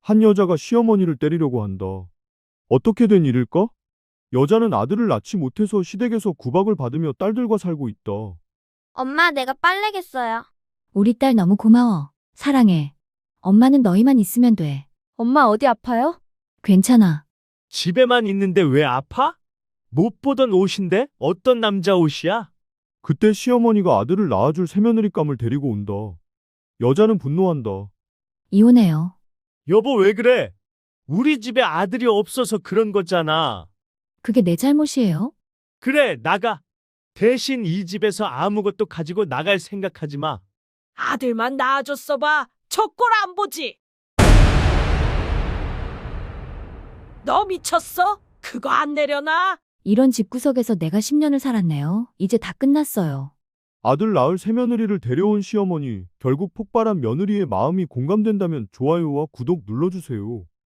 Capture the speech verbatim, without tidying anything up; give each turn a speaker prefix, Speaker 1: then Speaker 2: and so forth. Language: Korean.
Speaker 1: 한 여자가 시어머니를 때리려고 한다. 어떻게 된 일일까? 여자는 아들을 낳지 못해서 시댁에서 구박을 받으며 딸들과 살고 있다.
Speaker 2: 엄마, 내가 빨래겠어요.
Speaker 3: 우리 딸 너무 고마워. 사랑해. 엄마는 너희만 있으면 돼.
Speaker 4: 엄마 어디 아파요?
Speaker 3: 괜찮아.
Speaker 5: 집에만 있는데 왜 아파? 못 보던 옷인데 어떤 남자 옷이야?
Speaker 1: 그때 시어머니가 아들을 낳아줄 새며느리감을 데리고 온다. 여자는 분노한다.
Speaker 3: 이혼해요.
Speaker 5: 여보 왜 그래? 우리 집에 아들이 없어서 그런 거잖아.
Speaker 3: 그게 내 잘못이에요?
Speaker 5: 그래, 나가. 대신 이 집에서 아무것도 가지고 나갈 생각하지 마.
Speaker 6: 아들만 낳아줬어 봐. 저 꼴 안 보지. 너 미쳤어? 그거 안 내려놔?
Speaker 3: 이런 집구석에서 내가 십 년을 살았네요. 이제 다 끝났어요.
Speaker 1: 아들 낳을 새며느리를 데려온 시어머니, 결국 폭발한 며느리의 마음이 공감된다면 좋아요와 구독 눌러주세요.